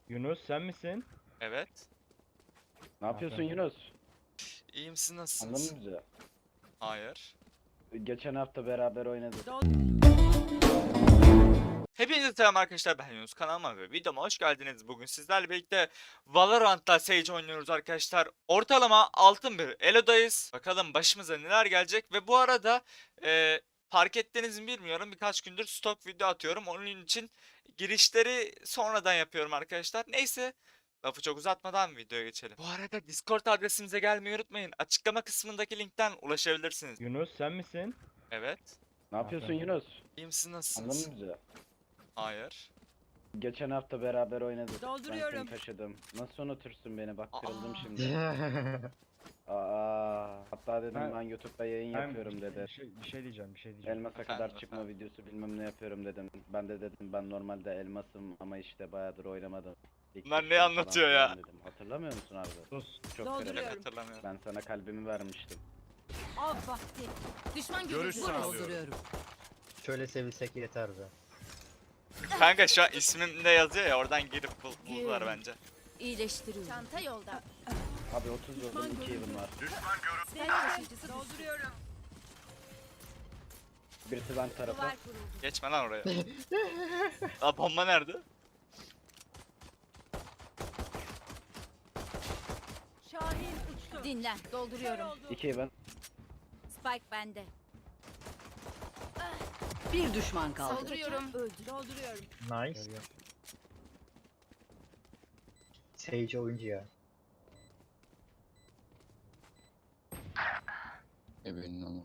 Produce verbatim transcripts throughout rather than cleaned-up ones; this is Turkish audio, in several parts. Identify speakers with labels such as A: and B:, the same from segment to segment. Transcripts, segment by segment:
A: Yunus sen misin?
B: Evet.
C: Ne yapıyorsun
A: Aferin.
C: Yunus?
B: İyiyim, siz
C: Anladın
B: nasılsınız?
C: mı bizi?
B: Hayır.
C: Geçen hafta beraber oynadık.
B: Hepinize selam arkadaşlar, ben Yunus, kanalıma ve videoma hoş geldiniz. Bugün sizlerle birlikte Valorant'ta Sage oynuyoruz arkadaşlar. Ortalama altın bir Elo'dayız. Bakalım başımıza neler gelecek ve bu arada e, fark ettiniz mi bilmiyorum, birkaç gündür stok video atıyorum. Onun için girişleri sonradan yapıyorum arkadaşlar. Neyse, lafı çok uzatmadan videoya geçelim. Bu arada Discord adresimize gelmeyi unutmayın. Açıklama kısmındaki linkten ulaşabilirsiniz.
A: Yunus sen misin?
B: Evet.
C: Ne yapıyorsun
A: Aferin.
C: Yunus?
B: İyiyim, siz nasılsınız?
C: Anladın mı bizi?
B: Hayır.
C: Geçen hafta beraber oynadık.
D: Dolduruyorum.
C: Ben seni taşıdım. Nasıl unutursun beni? Bak
B: Aa.
C: kırıldım şimdi. Aa, hatta dedim
A: Ben-
C: ben, YouTube'da yayın
A: Ben
C: yapıyorum dedi.
A: Bir şey, bir şey diyeceğim, bir şey diyeceğim.
C: Elmasa
B: Efendim,
C: kadar çıkma
B: efendim.
C: videosu bilmem ne yapıyorum dedim. Ben de dedim ben normalde elmasım ama işte bayağıdır oynamadım. İlk
B: Bunlar ne
C: düştüm falan
B: anlatıyor
C: filan
B: ya?
C: dedim. Hatırlamıyor musun abi?
A: Sus.
C: Çok
D: Dolduruyorum.
C: kırıldım.
B: Hatırlamıyorum.
C: Ben sana kalbimi vermiştim.
D: Av vakti. Düşman
E: Görüş
D: görüldü.
E: sağlıyorum.
D: Dolduruyorum.
F: Şöyle sevilsek yeter be.
B: Kanka şu an ismimde yazıyor ya, oradan girip bul buldular bence.
G: İyileştiriyorum. Çanta yolda.
C: Abi otuz vurdum iki yılım var.
D: Sen taşıyıcısı dolduruyorum.
C: Birisi ben tarafı.
G: Duvar kuruldu.
B: Geçme lan oraya. Aa, bomba nerede?
D: Şahin uçtu.
G: Dinlen. Dolduruyorum.
C: İki ben.
G: Spike bende.
D: Bir düşman kaldı.
G: Dolduruyorum. Öldü.
D: Dolduruyorum.
F: Nice. Sage oyuncu ya.
E: Ebenin onu.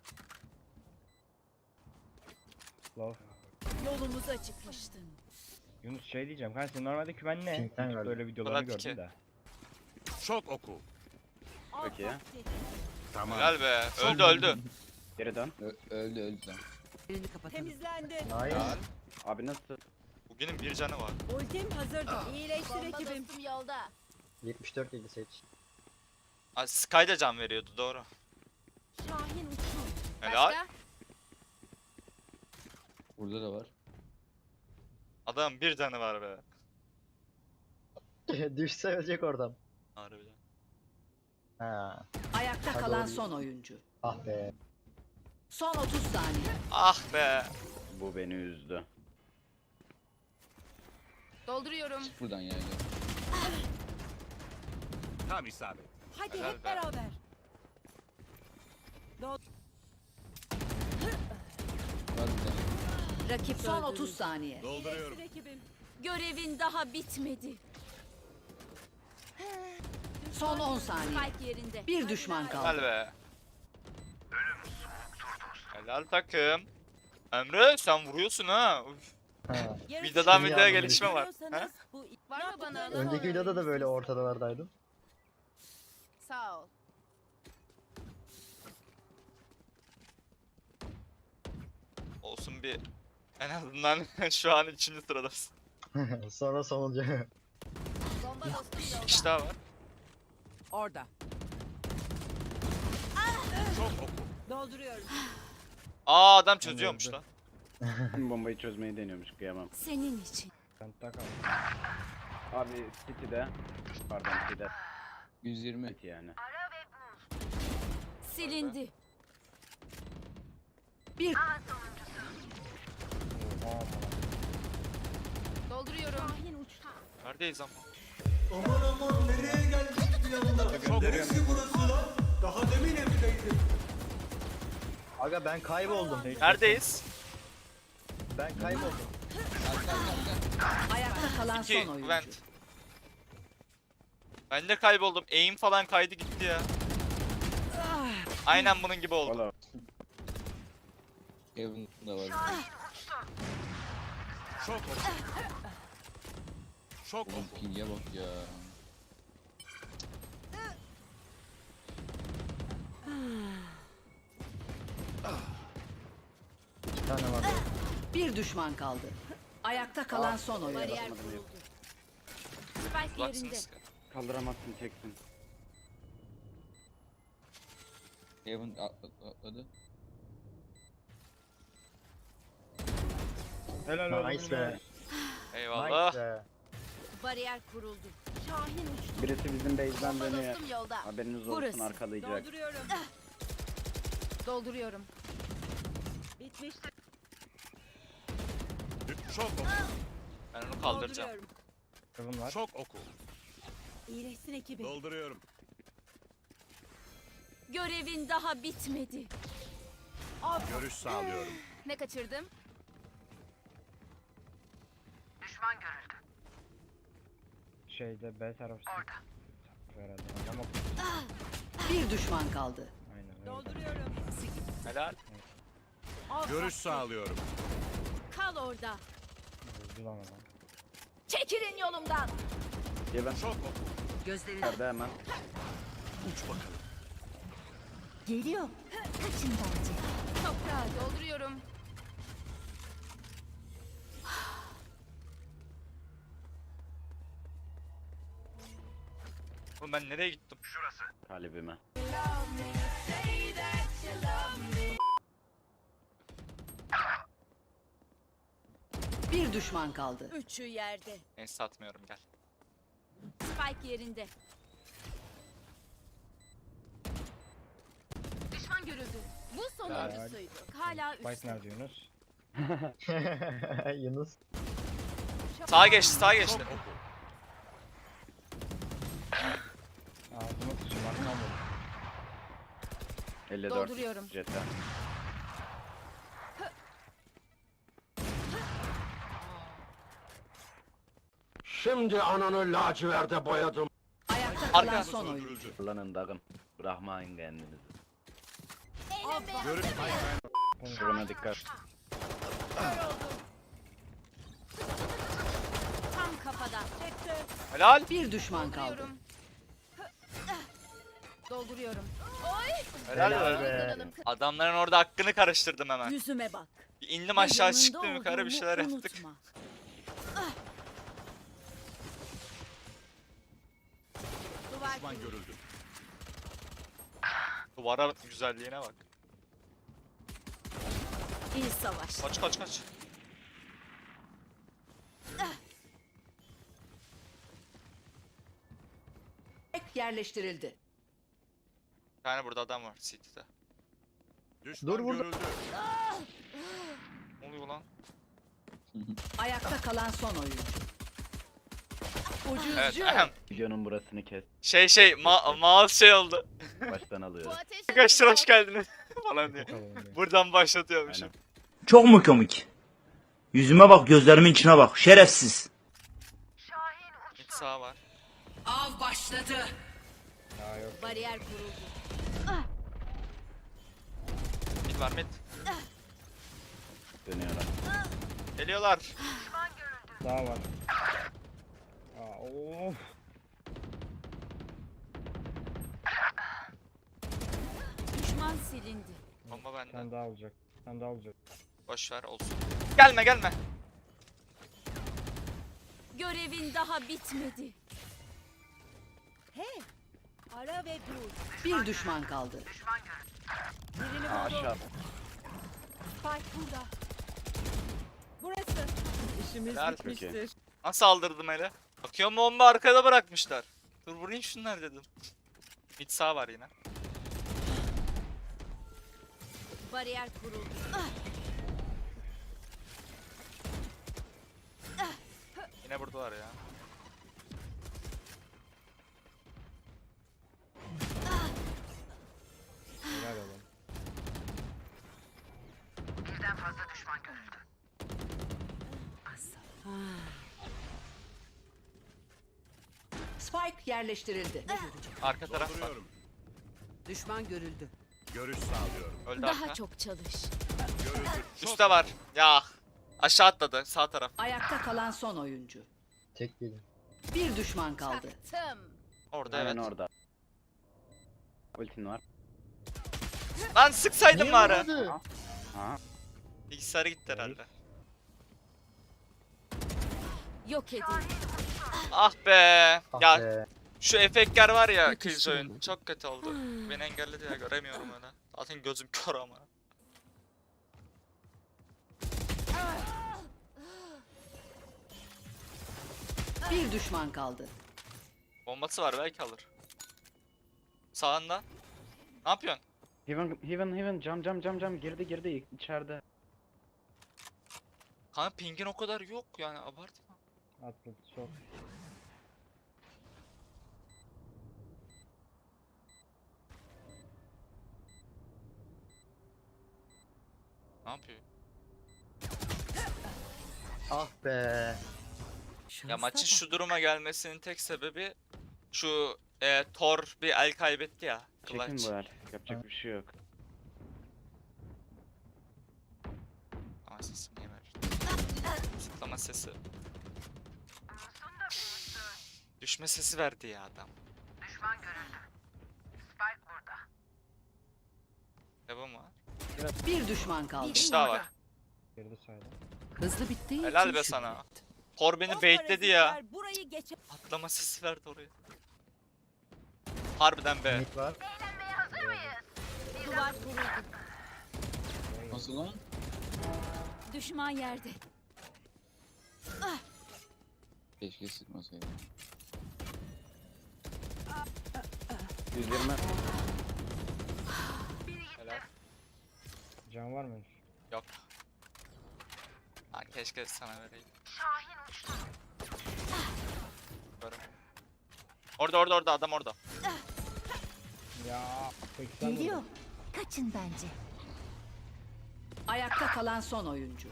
A: Love.
G: Yolumuzu açıkmıştın.
A: Yunus şey diyeceğim. Kanka senin normalde kümen ne?
F: Pink'ten
A: YouTube'da
F: geldi.
A: öyle videolarını
B: Fırat iki.
A: gördüm de.
E: Şok oku.
D: Av
C: Peki.
D: vakti.
E: Tamam.
B: Helal be. Öldü öldü.
C: Geri dön.
E: Ö- öldü öldü lan.
D: Elini kapatalım. Temizlendi.
F: Nice.
C: Abi nasıl?
B: Bugünün bir canı var.
D: Ultim hazırdı. İyileştir
G: Bomba
D: ekibim.
G: dostum yolda.
F: yetmiş dört yedi Sage.
B: Aa, Sky da can veriyordu, doğru.
D: Şahin uçtu.
B: Helal.
G: Başka?
E: Burada da var.
B: Adam bir canı var be.
F: Düşse ölecek oradan.
B: Harbiden.
F: Ha.
D: Ayakta
F: Hadi
D: kalan
F: oğlum.
D: son oyuncu.
F: Ah be.
D: Son otuz saniye.
B: Ah be.
C: Bu beni üzdü.
G: Dolduruyorum.
E: Buradan yani.
H: Tam isabet.
D: Hadi
B: Helal
D: hep
B: be.
D: beraber.
E: Var bir tane.
G: Rakip
D: Son
G: öldürüldü.
D: otuz saniye.
H: Dolduruyorum.
D: İyileştir ekibim.
G: Görevin daha bitmedi.
D: Son on saniye.
G: Spike yerinde.
D: Bir düşman kaldı.
B: Helal be. Helal takım. Emre sen vuruyorsun ha. Uf.
F: Ha.
B: Videodan
F: İyi
B: videoya
F: anladım.
B: gelişme var. Ha?
D: Bu
G: Var mı bana?
F: Önceki videoda da böyle ortalardaydım.
G: Sağ ol.
B: Olsun bir. En azından şu an üçüncü sıradasın.
F: Sonra sonuncu.
G: Bomba dostum
B: Bir
G: yolda.
B: kişi daha var.
D: orada.
H: Şok oku.
D: Dolduruyorum.
B: Aa, adam çözüyormuş lan.
C: Bombayı çözmeyi deniyormuş kıyamam.
G: Senin için.
A: Penta kal.
C: Abi City'de. Pardon City'de.
E: yüz yirmi.
C: City yani.
G: Silindi.
D: Bir
G: Dolduruyorum.
D: Şahin uçtu.
B: Neredeyiz ama?
F: Aga ben kayboldum.
B: Neredeyiz?
F: Ben kayboldum.
D: Ayakta kalan
B: İki
D: son oyuncu.
B: vent. Ben de kayboldum. Aim falan kaydı gitti ya. Aynen bunun gibi oldu.
C: Valla
E: Evan da var.
H: Şok oku. Şok
E: Oğlum
H: oku.
E: ping'e bak ya.
F: İki tane var.
D: Bir düşman kaldı. Ayakta kalan son oyuncu.
G: Bariyer kuruldu. Spike yerinde.
B: Uzaksınız.
C: kaldıramazsın teksin.
E: Evan atla- atladı.
A: Helal olsun.
F: Nice be.
B: Eyvallah.
F: Nice be.
G: Bariyer kuruldu. Şahin uçtu.
C: Birisi bizim base'den
G: Bomba
C: dönüyor.
G: dostum yolda.
C: Haberiniz olsun,
D: Burası.
C: arkalayacak.
G: Dolduruyorum. Dolduruyorum.
H: Çok oku.
B: Ben onu kaldıracağım.
A: Kızım var.
H: Çok oku.
G: İyileşsin ekibi.
H: Dolduruyorum.
G: Görevin daha bitmedi.
H: Görüş sağlıyorum.
G: Ne kaçırdım?
A: Şeyde B tarafı. Orada. Herhalde. Ama
D: Bir düşman kaldı.
A: aynen öyle.
B: Helal.
H: Görüş sağlıyorum.
G: Kal orada.
A: Öldü lan adam.
G: Çekilin yolumdan.
C: Diye ben
H: Çok oku.
D: Gözlerini
C: nerede hemen.
H: Uç bakalım.
G: Geliyor. Kaçın bence. Toprağa dolduruyorum.
B: Oğlum ben nereye gittim?
C: Kalbime.
D: bir düşman kaldı.
G: Üçü yerde.
B: Neyse satmıyorum, gel.
G: Spike yerinde. Düşman görüldü. Bu sonuncusuydu. Hala
A: Spike
G: üstte.
A: nerede Yunus?
F: Yunus.
B: Sağa geçti, sağa
H: Çok
B: geçti.
H: oku.
A: Ağzıma sıçayım arkam vur.
C: elli dört.
G: Dolduruyorum.
C: Jetta.
I: Şimdi ananı laciverde boyadım.
D: Ayakta
B: Arka.
D: kalan son oyuncu.
H: Öldürüldü.
C: Kullanın dağın. Bırakmayın kendinizi.
H: Görüş
C: Şurana dikkat.
G: Tam kafadan.
B: Helal.
D: Bir düşman kaldı.
G: Dolduruyorum. Dolduruyorum.
B: Helal,
F: Helal
B: be.
F: be.
B: Adamların orada hakkını karıştırdım hemen.
G: Yüzüme bak.
B: Bir indim aşağı,
G: Yanında
B: çıktım yukarı, bir
G: olduğumu
B: şeyler yaptık.
G: unutma. Duvar
H: düşman
G: kurulu.
H: görüldü.
B: Duvara güzelliğine bak.
G: İyi savaş.
B: Kaç kaç kaç.
D: Ek yerleştirildi.
B: Bir tane burada adam var City'de.
H: Düşman
F: Dur burada.
H: görüldü.
B: Ne oluyor lan?
D: Ayakta kalan son oyuncu. Ucuzcu.
B: Evet, ahem.
C: Videonun burasını kes.
B: Şey şey ma mouse şey oldu.
C: Baştan alıyoruz.
B: Arkadaşlar hoş geldiniz falan diye.
A: Bakalım bir.
B: Buradan başlatıyormuşum.
C: Aynen.
J: Çok mu komik? Yüzüme bak, gözlerimin içine bak. Şerefsiz.
B: Mid sağ var.
D: Av başladı.
A: Ya yok.
G: Bariyer kuruldu.
B: Mid var mid.
C: Dönüyorlar.
B: Geliyorlar.
A: Daha var. Aa, of.
G: Düşman silindi.
B: Bomba
A: Bir
B: bende.
A: tane daha olacak. Bir tane daha olacak.
B: Boş ver olsun. Gelme gelme.
G: Görevin daha bitmedi. Hey! Ara ve dur.
D: Bir düşman kaldı.
C: Aa, aşağı.
G: Spike burada. Burası.
B: Helal.
C: Çok iyi.
B: Nasıl aldırdım hele? Bakıyorum bomba arkada bırakmışlar. Dur vurayım şunlar dedim. Mid sağ var yine.
G: Bariyer kuruldu.
B: Yine buradalar ya.
A: Helal oğlum.
D: Spike yerleştirildi.
B: Arka taraf var.
H: Dolduruyorum.
D: Düşman görüldü.
H: Görüş sağlıyorum.
B: Öldü
G: Daha
B: arka.
G: çok çalış.
H: Görüldü. Çok
B: Üstte var. Ya. Aşağı atladı sağ taraf.
D: Ayakta kalan son oyuncu.
F: Tek değilim.
D: Bir düşman kaldı.
G: Çaktım.
B: Orada
C: Hemen
B: evet.
C: orada. Ultin var.
B: Lan sıksaydım
F: Niye
B: bari.
F: vurmadı?
C: Aha.
B: Bilgisayarı gitti herhalde.
G: Yok edin.
B: Ah be.
F: Ah
B: Ya
F: be.
B: şu efektler var ya
G: Yetiştim.
B: Killjoy'un çok kötü oldu. Beni engelledi ya, göremiyorum öyle. Zaten gözüm kör ama.
D: Bir düşman kaldı.
B: Bombası var belki alır. Sağında. Ne yapıyorsun?
C: Heaven, heaven, heaven, cam cam cam cam girdi girdi içeride.
B: Kanka pingin o kadar yok yani abartma.
A: Atladı çok.
B: Ne yapıyor?
F: Ah be.
B: Ya maçın şu duruma gelmesinin tek sebebi şu e, Thor bir el kaybetti ya.
C: Çekin
B: Clutch.
C: bu el. Yapacak bir şey yok.
B: Ama sesi niye ver? Zıplama sesi. Düşme sesi verdi ya adam. Düşman görüldü. Spike burada. Devam var.
D: Bir düşman kaldı.
G: Bir
B: kişi daha var.
A: Girdi saydı.
D: Hızlı bittiği
B: Helal
D: için
B: be
D: şükret.
B: sana. Thor beni
G: O
B: baitledi ya.
G: parazitler Burayı geç.
B: Atlama sesi verdi oraya. Harbiden be.
F: Mid var.
G: Duvar kuruldu.
E: Nasıl lan?
G: Düşman yerde.
E: Keşke sıkmasaydım.
C: yüz yirmi.
B: Helal.
A: Can var mı?
B: Yok. Ha, keşke sana vereyim. Şahin uçtu. Orada orada orada adam orada.
A: Ya seksen vurdu.
G: Geliyor. Kaçın bence.
D: Ayakta kalan son oyuncu.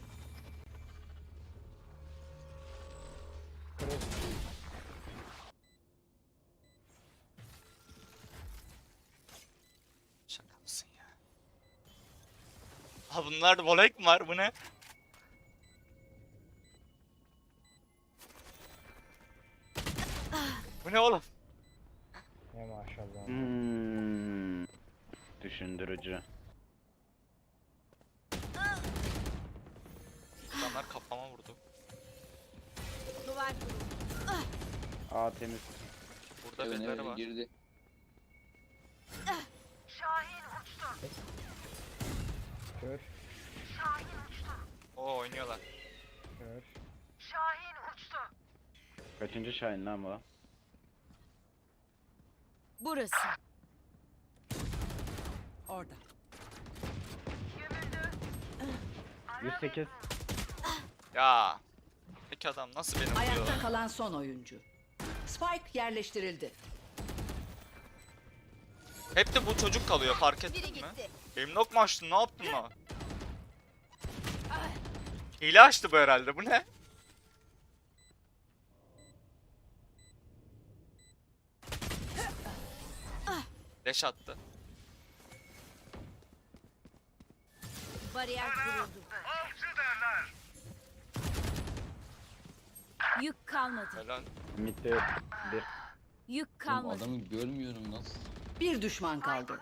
B: Şaka mısın ya? Ha bunlar volek mi var bu ne? Bu ne oğlum?
A: Ya maşallah.
C: Hmm. Düşündürücü.
B: Adamlar kafama vurdu.
G: Duvar kuruldu.
C: Aa temiz.
B: Burada
E: Evet,
B: birileri
E: evet,
B: var.
E: girdi.
A: Kör.
B: Oo oynuyorlar.
A: Kör.
C: Kaçıncı Şahin lan bu?
G: Burası.
D: Orada.
C: yüz sekiz.
B: Ya. Peki adam nasıl beni vuruyor?
D: Ayakta kalan son oyuncu. Spike yerleştirildi.
B: Hep de bu çocuk kalıyor fark
G: Biri
B: ettin mi?
G: gitti.
B: Benim nok mu açtın? Ne yaptın lan? Hile açtı bu herhalde. Bu ne? Deş attı.
G: Bariyer kuruldu. Yük kalmadı.
B: Helal.
C: Mid'de yok. Bir.
G: Yük
E: Oğlum
G: kalmadı.
E: adamı görmüyorum nasıl?
D: Bir düşman kaldı.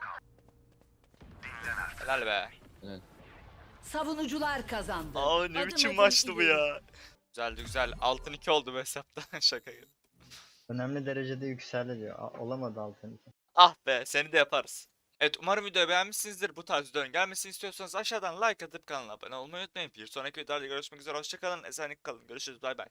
B: Helal be.
E: Evet.
D: Savunucular kazandı.
B: Aa ne
G: Adım
B: biçim
G: adım
B: maçtı bu
G: ileri.
B: ya. Güzeldi güzel. Altın iki oldu bu hesapta. Şaka gibi.
F: Önemli derecede yükseldi diyor. A- olamadı altın.
B: Ah be seni de yaparız. Evet umarım videoyu beğenmişsinizdir. Bu tarz videoların gelmesini istiyorsanız aşağıdan like atıp kanala abone olmayı unutmayın. Bir sonraki videolarda görüşmek üzere. Hoşçakalın. Esenlik kalın. Görüşürüz. Bay bay.